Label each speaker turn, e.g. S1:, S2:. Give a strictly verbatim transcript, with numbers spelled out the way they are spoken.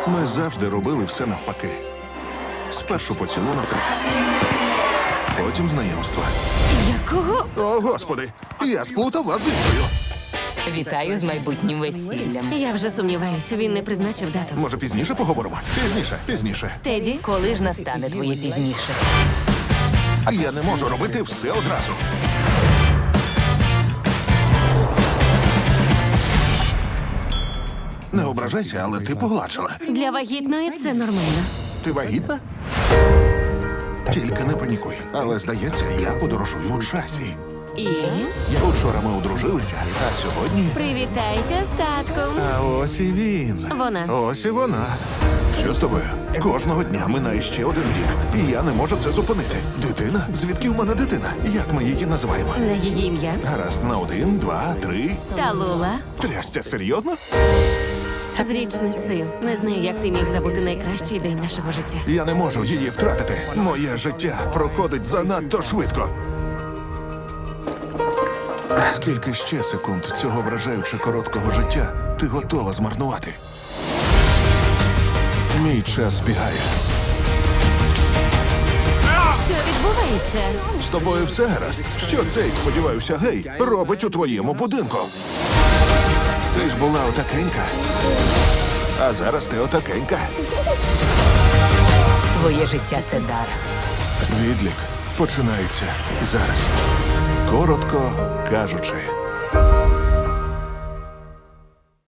S1: Ми завжди робили все навпаки. Спершу поцілунок, потім знайомство.
S2: Якого?
S1: О, Господи, я сплутав вас з іншою.
S3: Вітаю з майбутнім весіллям.
S2: Я вже сумніваюся, він не призначив дату.
S1: Може, пізніше поговоримо? Пізніше, пізніше.
S2: Теді?
S3: Коли ж настане твоє пізніше?
S1: Я не можу робити все одразу. Не ображайся, але ти погладшила.
S2: Для вагітної це нормально.
S1: Ти вагітна? Тільки не панікуй. Але, здається, я подорожую у часі.
S2: І?
S1: Учора ми одружилися, а сьогодні...
S2: Привітайся з татком.
S1: А ось і він.
S2: Вона.
S1: Ось і вона. Що з тобою? Кожного дня минає ще один рік, і я не можу це зупинити. Дитина? Звідки в мене дитина? Як ми її називаємо?
S2: На її ім'я.
S1: Гаразд, на один, два, три.
S2: Талула.
S1: Трястя, серйозно?
S2: З річницею. Не знаю, як ти міг забути найкращий день нашого життя.
S1: Я не можу її втратити. Моє життя проходить занадто швидко. Скільки ще секунд цього вражаючи короткого життя ти готова змарнувати? Мій час збігає.
S2: Що відбувається?
S1: З тобою все гаразд? Що цей, сподіваюся, гей, робить у твоєму будинку? Ти ж була отакенька. А зараз ти отакенька.
S3: Твоє життя це дар.
S1: Відлік починається зараз. Коротко кажучи.